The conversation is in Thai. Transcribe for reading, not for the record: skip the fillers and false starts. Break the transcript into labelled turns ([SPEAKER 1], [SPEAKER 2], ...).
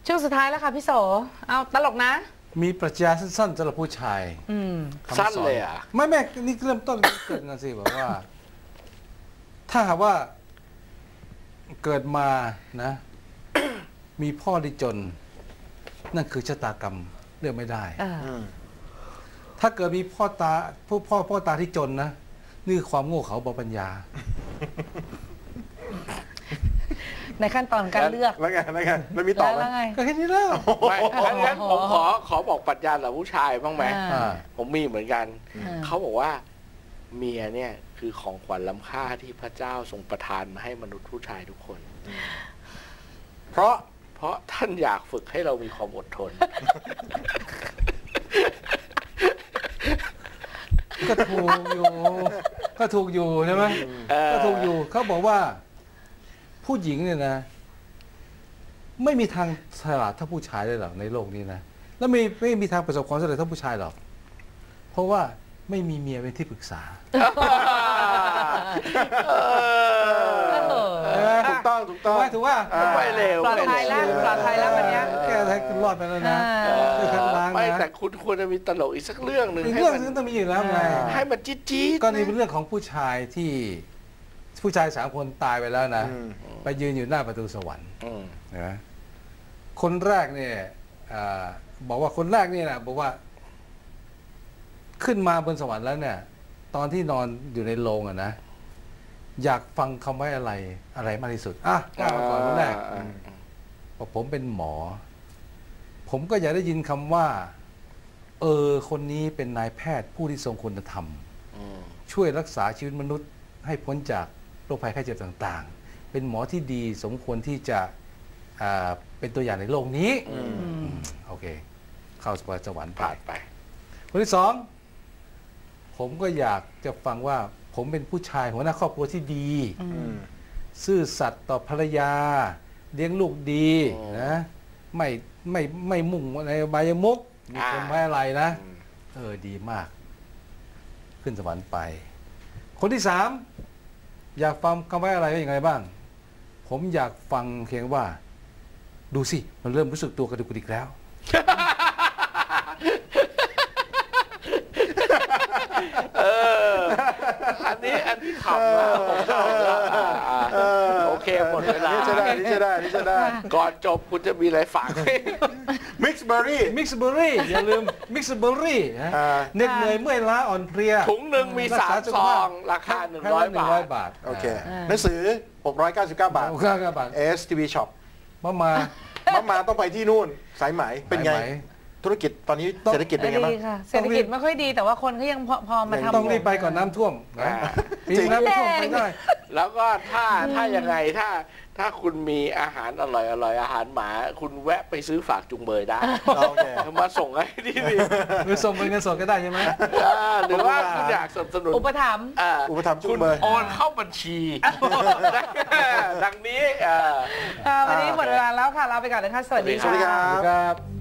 [SPEAKER 1] ช่วงสุดท้ายแล้วค่ะพี่โสเอาตลกนะ
[SPEAKER 2] มีปรัชญาสั้นๆสำหรับผู้ชาย
[SPEAKER 3] สั้นเลยอ่ะ
[SPEAKER 2] ไม่นี่เริ่มต้นเกิดกันสิบอกว่า ถ้าหากว่าเกิดมานะ มีพ่อที่จน นั่นคือชะตากรรมเลือกไม่ได้ถ้าเกิดมีพ่อตาที่จนนะนี่คือความโง่เขลาเบาปัญญา
[SPEAKER 1] ในขั้นตอนการเลือก
[SPEAKER 4] แล้วไงแล้วมีต่อไหม
[SPEAKER 2] ก็แค่นี้แล้ว
[SPEAKER 3] ไม่งั้นผมขอบอกปรัชญาเหล่าผู้ชายบ้างไหมผมมีเหมือนกันเขาบอกว่าเมียเนี่ยคือของขวัญล้ำค่าที่พระเจ้าทรงประทานมาให้มนุษย์ผู้ชายทุกคนเพราะท่านอยากฝึกให้เรามีความอดทน
[SPEAKER 2] ก็ถูกอยู่ใช่ไหมก็ถูกอยู่เขาบอกว่าผู้หญิงเนี่ยนะไม่มีทางฉลาดเท่าผู้ชายเลยหรอกในโลกนี้นะแล้วไม่มีทางประสบความสำเร็จเท่าผู้ชายหรอกเพราะว่าไม่มีเมียเป็นที่ปรึกษา
[SPEAKER 4] ถูกต้อง
[SPEAKER 2] ถูกว่า
[SPEAKER 3] ไม่เร็ว
[SPEAKER 1] ปลอดภัยแล้ววันนี้
[SPEAKER 2] แค่ให้คุณรอดไปแล้วนะ
[SPEAKER 3] ไม่แต่คุณควรจะมีตลกอีกสักเรื่องหนึ่ง
[SPEAKER 2] อีกเรื่องนึงต้องมีอยู่แล้วไง
[SPEAKER 3] ให้มันจี๊ด
[SPEAKER 2] ก็นี่เป็นเรื่องของผู้ชายที่ผู้ชาย3 คนตายไปแล้วนะไปยืนอยู่หน้าประตูสวรรค์นะคนแรกเนี่ยบอกว่าคนแรกนี่นะบอกว่าขึ้นมาบนสวรรค์แล้วเนี่ยตอนที่นอนอยู่ในโรงอะนะอยากฟังคำว่าอะไรมากที่สุดกล้ามาก่อนคนแรกบอกผมเป็นหมอผมก็อยากได้ยินคำว่าคนนี้เป็นนายแพทย์ผู้ที่ทรงคุณธรรมช่วยรักษาชีวิตมนุษย์ให้พ้นจากโรคภัยไข้เจ็บต่างๆเป็นหมอที่ดีสมควรที่จะเป็นตัวอย่างในโลกนี้โอเคเข้าสวรรค์
[SPEAKER 3] ผ่านไป
[SPEAKER 2] คนที่2ผมก็อยากจะฟังว่าผมเป็นผู้ชายหัวหน้าครอบครัวที่ดีซื่อสัตย์ต่อภรรยาเลี้ยงลูกดีนะไม่มุ่งในใบายมุกมีคนไม่อะไรนะดีมากขึ้นสวรรค์ไปคนที่3อยากฟังคำว่าอะไรอย่างไรบ้างผมอยากฟังเพียงว่าดูสิมันเริ่มรู้สึกตัวกระดุกกระดิกแล้ว
[SPEAKER 3] อันนี้ขำนะผมชอบโอเคหมดเวลา
[SPEAKER 4] นี่จะได้
[SPEAKER 3] ก่อนจบคุณจะมีอะไรฝาก
[SPEAKER 4] มิกซ์เบอร์รี่
[SPEAKER 2] อย่าลืมมิกซ์เบอร์รี่เหน็ดเหนื่อยเมื่อยล้าอ่อนเพลีย
[SPEAKER 3] ถุงหนึ่งมี3 ซองราคา100 บาท
[SPEAKER 4] โอเคหนังสือ699 บาทSTV Shop มาต้องไปที่นู่นสายไหมเป็นไงธุรกิจตอนนี้เศรษฐกิจเป็นไงบ้าง
[SPEAKER 1] เศรษฐกิจไม่ค่อยดีแต่ว่าคนก็ยังพอมาทำ
[SPEAKER 2] ต้องรีบไปก่อนน้ำท่วมปีน้ำท่วมไม่ได้
[SPEAKER 3] แล้วก็ถ้ายังไงถ้าคุณมีอาหารอร่อยอาหารหมาคุณแวะไปซื้อฝากจุงเบยได้มาส่งให้ดี
[SPEAKER 2] หรือส่งเป็นเงินสดก็ได้ใช่ไหม
[SPEAKER 3] หรือว่าคุณอยากสนับสนุน
[SPEAKER 1] อุปถัมภ์
[SPEAKER 4] จุงเบย
[SPEAKER 3] โอนเข้าบัญชีดังนี้
[SPEAKER 1] วันนี้หมดเวลาแล้วค่ะลาไปก่อนเลยค่ะสวัสดี
[SPEAKER 4] ครับ